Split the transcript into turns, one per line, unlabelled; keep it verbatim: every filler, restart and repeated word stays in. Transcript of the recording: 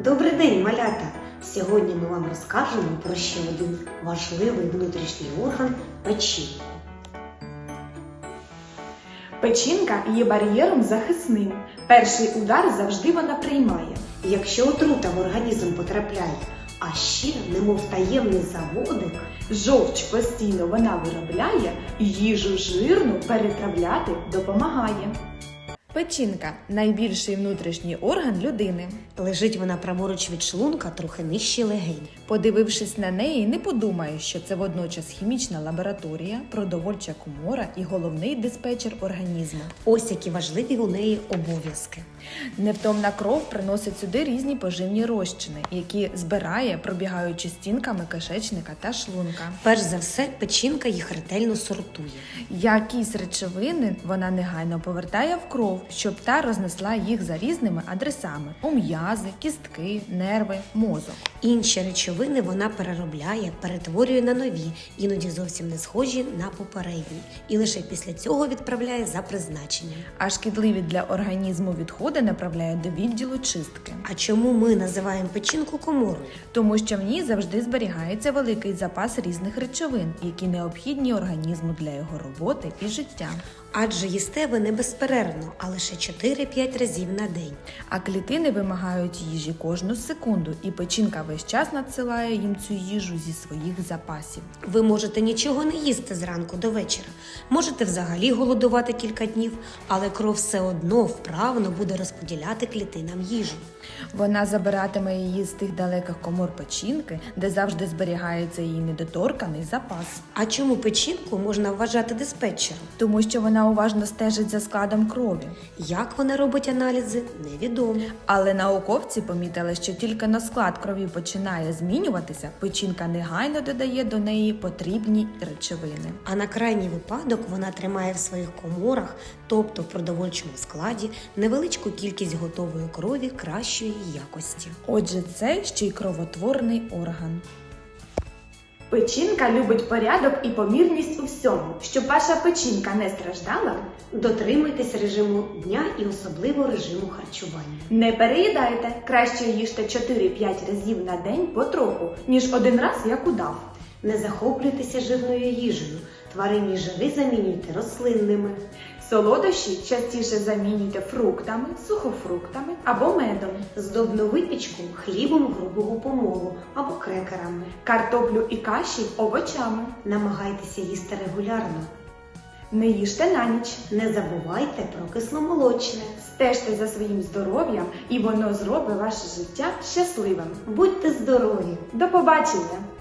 Добрий день, малята! Сьогодні ми вам розкажемо про ще один важливий внутрішній орган – печінку.
Печінка є бар'єром захисним. Перший удар завжди вона приймає.
Якщо отрута в організм потрапляє, а ще, немов таємний заводик,
Жовч постійно вона виробляє і їжу жирну перетравляти допомагає. Печінка – найбільший внутрішній орган людини.
лежить вона праворуч від шлунка, трохи нижче легень.
Подивившись на неї, не подумаєш, що це водночас хімічна лабораторія, продовольча комора і головний диспетчер організму.
Ось які важливі у неї обов'язки.
Невтомна кров приносить сюди різні поживні розчини, які збирає, пробігаючи стінками кишечника та шлунка.
Перш за все, печінка їх ретельно сортує.
Якісь речовини вона негайно повертає в кров, щоб та рознесла їх за різними адресами – у м'язи, кістки, нерви, мозок.
Інші речовини вона переробляє, перетворює на нові, іноді зовсім не схожі на попередні. І лише після цього відправляє за призначенням.
А шкідливі для організму відходи направляє до відділу чистки.
А чому ми називаємо печінку коморою?
Тому що в ній завжди зберігається великий запас різних речовин, які необхідні організму для його роботи і життя.
Адже їсте ви не безперервно, а лише чотири-п'ять разів на день.
А клітини вимагають їжі кожну секунду, і печінка весь час надсилає їм цю їжу зі своїх запасів.
Ви можете нічого не їсти зранку до вечора. Можете взагалі голодувати кілька днів, але кров все одно вправно буде розподіляти клітинам їжу.
Вона забиратиме її з тих далеких комор печінки, де завжди зберігається її недоторканий запас.
А чому печінку можна вважати диспетчером?
Тому що вона уважно стежить за складом крові.
Як вона робить аналізи, невідомо.
Але науковці помітили, що тільки на склад крові починає змінюватися, печінка негайно додає до неї потрібні речовини.
А на крайній випадок вона тримає в своїх коморах, тобто в продовольчому складі, невеличку кількість готової крові кращої якості.
Отже, це ще й кровотворний орган. Печінка любить порядок і помірність у всьому. Щоб ваша печінка не страждала,
Дотримуйтесь режиму дня і особливо режиму харчування.
не переїдайте. Краще їжте чотири-п'ять разів на день потроху, ніж один раз як удав.
Не захоплюйтеся жирною їжею. Тваринні жири замінюйте рослинними.
Солодощі частіше замінюйте фруктами, сухофруктами або медом.
Здобну випічку хлібом грубого помолу або крекерами.
Картоплю і каші овочами.
Намагайтеся їсти регулярно.
Не їжте на ніч.
Не забувайте про кисломолочне.
Стежте за своїм здоров'ям, і воно зробить ваше життя щасливим.
Будьте здорові!
До побачення!